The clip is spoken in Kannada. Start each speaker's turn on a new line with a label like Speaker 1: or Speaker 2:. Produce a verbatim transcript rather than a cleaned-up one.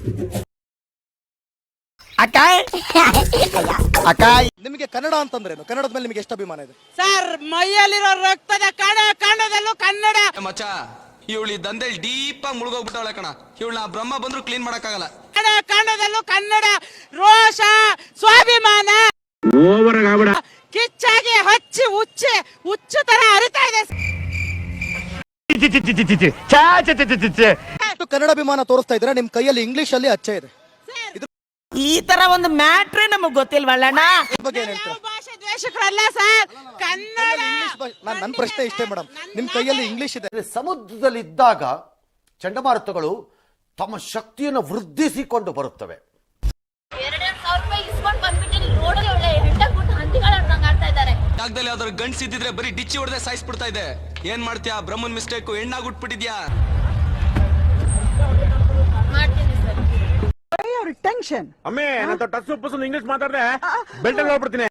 Speaker 1: ಅಕ್ಕಾಯ್ ಅಕ್ಕಾಯ್
Speaker 2: ನಿಮಗೆ ಕನ್ನಡ ಅಂತಂದ್ರೇನು? ಕನ್ನಡದ ಮೇಲೆ ನಿಮಗೆ ಎಷ್ಟು ಅಭಿಮಾನ ಇದೆ
Speaker 3: ಸರ್? ಮೈಯಲ್ಲಿರೋ ರಕ್ತದ ಕಣ ಕಣದಲ್ಲೂ ಕನ್ನಡ.
Speaker 4: ಮಚ್ಚ ಇವಳಿ ದಂಧೆಲ್ ಡೀಪ್ ಆಗಿ ಮುಳುಗೋಗ್ಬಿಟ್ಟವಳೆ ಕಣ. ಇವಳನ್ನ ಬ್ರಹ್ಮ ಬಂದ್ರು ಕ್ಲೀನ್ ಮಾಡಕ್ಕಾಗಲ್ಲ.
Speaker 3: ಕಣ ಕಣದಲ್ಲೂ ಕನ್ನಡ. ರೋಷ, ಸ್ವಾಭಿಮಾನ ಕಿಚ್ಚಾಗಿ ಹಚ್ಚಿ ಹುಚ್ಚಿ ಹುಚ್ಚು ತರ ಹರಿತಾ ಇದೆ.
Speaker 2: ಕನ್ನಡ ಅಭಿಮಾನ ತೋರಿಸ್ತಾ ಇದ್ರೆ ನಿಮ್ ಕೈಯಲ್ಲಿ ಇಂಗ್ಲಿಷ್ ಅಲ್ಲಿ ಅಚ್ಚೆ ಇದೆ.
Speaker 1: ಈ ತರ ಒಂದು ಮ್ಯಾಟ್ರೇ ನಮಗ್ ಗೊತ್ತಿಲ್ವಲ್ಲಣ್ಣ.
Speaker 2: ಬಗ್ಗೆ ಏನ್ ಹೇಳ್ತೀರಾ?
Speaker 3: ಭಾಷೆ ದ್ವೇಷಕರಲ್ಲ ಸರ್, ಕನ್ನಡ.
Speaker 2: ನಾನು ನನ್ನ ಪ್ರಶ್ನೆ ಇಷ್ಟೇ ಮೇಡಮ್, ನಿಮ್ ಕೈಯಲ್ಲಿ ಇಂಗ್ಲಿಷ್ ಇದೆ.
Speaker 5: ಸಮುದ್ರದಲ್ಲಿ ಇದ್ದಾಗ ಚಂಡಮಾರುತಗಳು ತಮ್ಮ ಶಕ್ತಿಯನ್ನು ವೃದ್ಧಿಸಿಕೊಂಡು ಬರುತ್ತವೆ.
Speaker 4: ಜಾಗದಲ್ಲಿ ಯಾವ್ದಾದ್ರು ಗಂಡ್ಸ್ ಇದ್ದಿದ್ರೆ ಬರೀ ಡಿಚ್ಚಿ ಹೊಡೆದೇ ಸಾಯಿಸ್ಬಿಡ್ತಾ ಇದೆ. ಏನ್ ಮಾಡ್ತೀಯಾ? ಬ್ರಹ್ಮನ್ ಮಿಸ್ಟೇಕ್, ಹೆಣ್ಣಾಗ್ ಉಟ್ಬಿಟ್ಟಿದ್ಯಾ?
Speaker 6: ಟೆನ್ಷನ್ ಅಮ್ಮೆ ನನ್ನ ಟಚ್ ಪುಸ್ ಇಂಗ್ಲಿಷ್ ಮಾತಾಡ್ದೆ ಬೆಲ್ಟ್ ಹೋಗ್ಬಿಡ್ತೀನಿ.